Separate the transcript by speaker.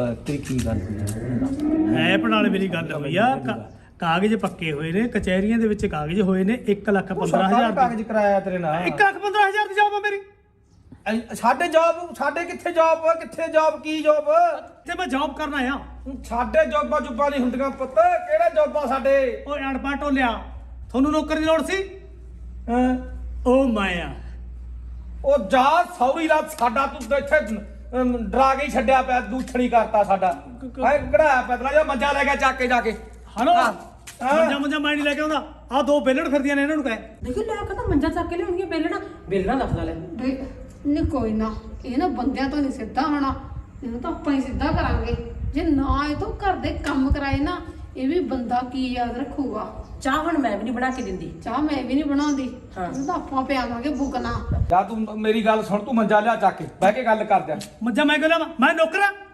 Speaker 1: ਤੇਰੀ ਕੀ ਗੱਲ ਹੋਈ
Speaker 2: ਹੈ ਪੜਾਲੇ ਮੇਰੀ ਗੱਲ ਹੋਈ ਆ ਕਾਗਜ਼ ਪੱਕੇ ਹੋਏ ਨੇ ਕਚਹਿਰੀਆਂ ਦੇ ਵਿੱਚ ਕਾਗਜ਼ ਹੋਏ ਨੇ 1,15,000
Speaker 1: ਕਾਗਜ਼ ਕਰਾਇਆ ਤੇਰੇ ਨਾਲ
Speaker 2: 1,15,000 ਦੀ ਜੌਬ ਆ ਮੇਰੀ
Speaker 1: ਸਾਡੇ ਜੌਬ ਸਾਡੇ ਕਿੱਥੇ ਜੌਬ ਕਿੱਥੇ ਜੌਬ ਕੀ ਜੌਬ
Speaker 2: ਤੇ ਮੈਂ ਜੌਬ ਕਰਨ ਆਇਆ
Speaker 1: ਸਾਡੇ ਜੌਬਾਂ ਜੁਬਾਂ ਨਹੀਂ ਹੁੰਦੀਆਂ ਪੁੱਤ ਕਿਹੜਾ ਜੌਬਾਂ ਸਾਡੇ
Speaker 2: ਓਏ ਅਣਪਾ ਟੋਲਿਆ ਤੁਹਾਨੂੰ ਨੌਕਰੀ ਦੀ ਲੋੜ ਸੀ
Speaker 1: ਹਾਂ
Speaker 2: ਉਹ ਮਾਇਆ
Speaker 1: ਉਹ ਜਾ ਸੌਰੀ ਦਾ ਸਾਡਾ ਤੂੰ ਇੱਥੇ ਡਰਾ ਕੇ ਹੀ ਛੱਡਿਆ ਪਿਆ ਦੂਛਣੀ ਕਰਤਾ ਸਾਡਾ ਐ ਕਢਾਇਆ ਪੈਦਲਾ ਜਾਂ ਮੰਜਾ ਲੈ ਗਿਆ ਚੱਕ ਕੇ ਜਾ ਕੇ
Speaker 2: ਹਲੋ ਮੰਜਾ ਮੈਂ ਨਹੀਂ ਲੈ ਕੇ ਆਉਂਦਾ ਆ ਦੋ ਬੇਲੜ ਫਿਰਦੀਆਂ ਨੇ ਇਹਨਾਂ ਨੂੰ ਕਹਿ
Speaker 3: ਦੇਖੋ ਲੈ ਕੇ ਤਾਂ ਮੰਜਾ ਚੱਕ ਕੇ ਲਿਆਉਣਗੇ ਬੇਲਣਾ ਦੱਸਦਾ ਲੈ
Speaker 4: ਨਹੀਂ ਕੋਈ ਨਾ ਇਹ ਨਾ ਬੰਦਿਆਂ ਤੋਂ ਨਹੀਂ ਸਿੱਧਾ ਹੋਣਾ ਇਹਨੂੰ ਤਾਂ ਆਪਾਂ ਹੀ ਸਿੱਧਾ ਕਰਾਂਗੇ ਜੇ ਨਾ ਇਹ ਤੋਂ ਘਰ ਦੇ ਕੰਮ ਕਰਾਏ ਨਾ ਇਹ ਵੀ ਬੰਦਾ ਕੀ ਯਾਦ ਰੱਖੂਗਾ
Speaker 3: ਚਾਹ ਹੁਣ ਮੈਂ ਵੀ ਨਹੀਂ ਬਣਾ ਕੇ ਦਿੰਦੀ
Speaker 4: ਚਾਹ ਮੈਂ ਵੀ ਨਹੀਂ ਬਣਾਉਂਦੀ ਇਹਨੂੰ ਤਾਂ ਆਪਾਂ ਪਿਆਵਾਂਗੇ ਬੁਗਨਾ
Speaker 1: ਜਾ ਤੂੰ ਮੇਰੀ ਗੱਲ ਸੁਣ ਤੂੰ ਮੰਜਾ ਲਿਆ ਚੱਕ ਕੇ ਬਹਿ ਕੇ ਗੱਲ ਕਰਦੇ ਆ
Speaker 2: ਮੰਜਾ ਮੈਂ ਕਿਹਾ ਮੈਂ ਨੌਕਰ ਆ